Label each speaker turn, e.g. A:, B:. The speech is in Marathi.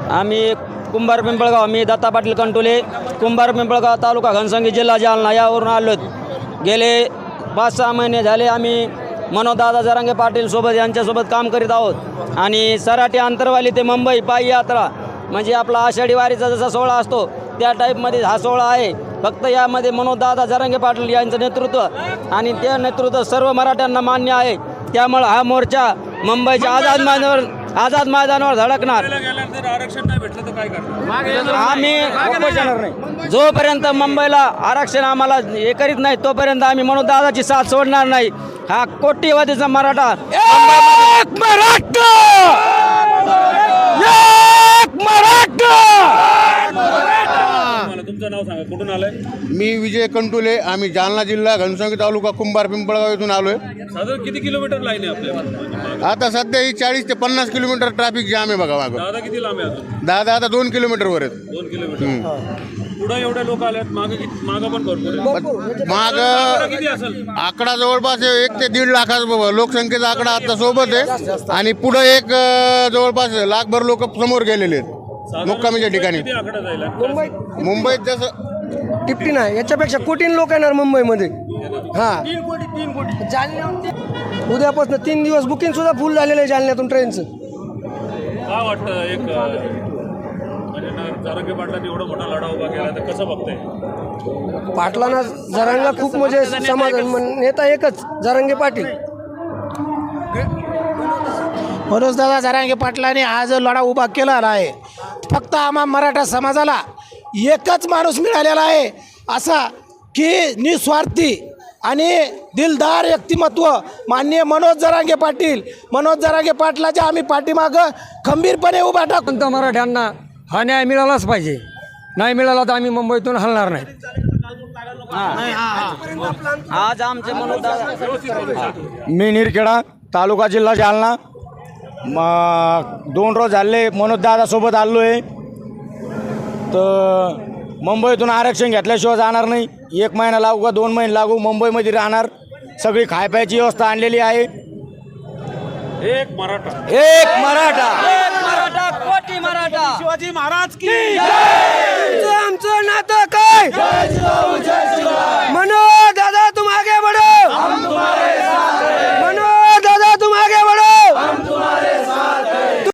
A: आम्ही कुंभार पिंपळगाव, मी दत्ता पाटील कंटोले, कुंभार पिंपळगाव तालुका घनसंगी जिल्हा जालना यावरून आलो. गेले 5-6 महिने झाले आम्ही मनोजदादा जरांगे पाटील सोबत यांच्यासोबत काम करीत आहोत. आणि सराटी अंतरवाली ते मुंबई पायी यात्रा म्हणजे आपला आषाढी वारीचा जसा सोहळा असतो त्या टाईपमध्ये हा सोहळा आहे. फक्त यामध्ये मनोजदादा जरांगे पाटील यांचं नेतृत्व आणि ते नेतृत्व सर्व मराठ्यांना मान्य आहे. त्यामुळे हा मोर्चा मुंबईच्या आझाद मैदानावर धडकणार.
B: आरक्षण नाही भेटलं तर काय करणार?
A: आम्ही उपोषणावर नाही. जोपर्यंत मुंबईला आरक्षण आम्हाला हे करीत नाही तोपर्यंत आम्ही मनोजदादाची साथ सोडणार नाही. हा कोटीवादीचा मराठा
B: तुमचं नाव सांगा, कुठून आलंय?
C: मी विजय कंटुले, आम्ही जालना जिल्हा घनसंगी तालुका कुंभार पिंपळगाव येथून आलोय.
B: साधारण किती किलोमीटर लाईन आहे आपल्या?
C: आता सध्या ही 40 ते 50 किलोमीटर ट्रॅफिक जाम आहे बघा. मागं
B: दादा किती लांब आहे अजून?
C: दादा आता 2 किलोमीटरवर आहेत.
B: 2 किलोमीटर. पुढे एवढे लोक आलेत, मागं पण भरपूर आहे.
C: माग
B: किती असेल?
C: आकडा जवळपास 1 ते 1.5 लाखाचा लोकसंख्येचा आकडा आता सोबत आहे. आणि पुढे एक जवळपास लाखभर लोक समोर गेलेले आहेत मुक्कामीच्या ठिकाणी.
B: किती आकडा जाईल?
C: मुंबईत जसं
D: टिप्टी नाही, याच्यापेक्षा कोटीन लोक येणार मुंबईमध्ये. हां, उद्यापासून 3 दिवस बुकिंग सुद्धा फुल झालेलं आहे जालन्यातून ट्रेनचं.
B: काय वाटतं एक म्हणजे जरांगे पाटलांनी एवढा मोठा लढा उभा केला तर कसं बघताय?
D: पाटलांना जरांगा खूप म्हणजे समाधान नेता एकच जरांगे पाटील.
E: मनोजदादा जरांगे पाटलांनी हा जो लढा उभा केलेला आहे फक्त आम्हा मराठा समाजाला एकच माणूस मिळालेला आहे असा की निस्वार्थी आणि दिलदार व्यक्तिमत्व माननीय मनोज जरांगे पाटलाच्या आम्ही पाठीमागं खंबीरपणे उभा टाकून.
D: तर मराठ्यांना हा न्याय मिळालाच पाहिजे. नाही मिळाला तर आम्ही मुंबईतून हलणार नाही.
A: आज आमचे मनोजदादा
F: मी निरखेडा तालुका जिल्हा जालना 2 रोज झाले मनोजदादासोबत आलो आहे. तर मुंबईतून आरक्षण घेतल्याशिवाय जाणार नाही. 1 महिना लागू का 2 महिने लागू मुंबईमध्ये राहणार. सगळी खायप्याची व्यवस्था आणलेली आहे.
B: एक मराठा
A: कोटी मराठा.
B: शिवाजी महाराज की
D: आमचं नातं काय? मनोज दादा तुम आगे बढ़ो.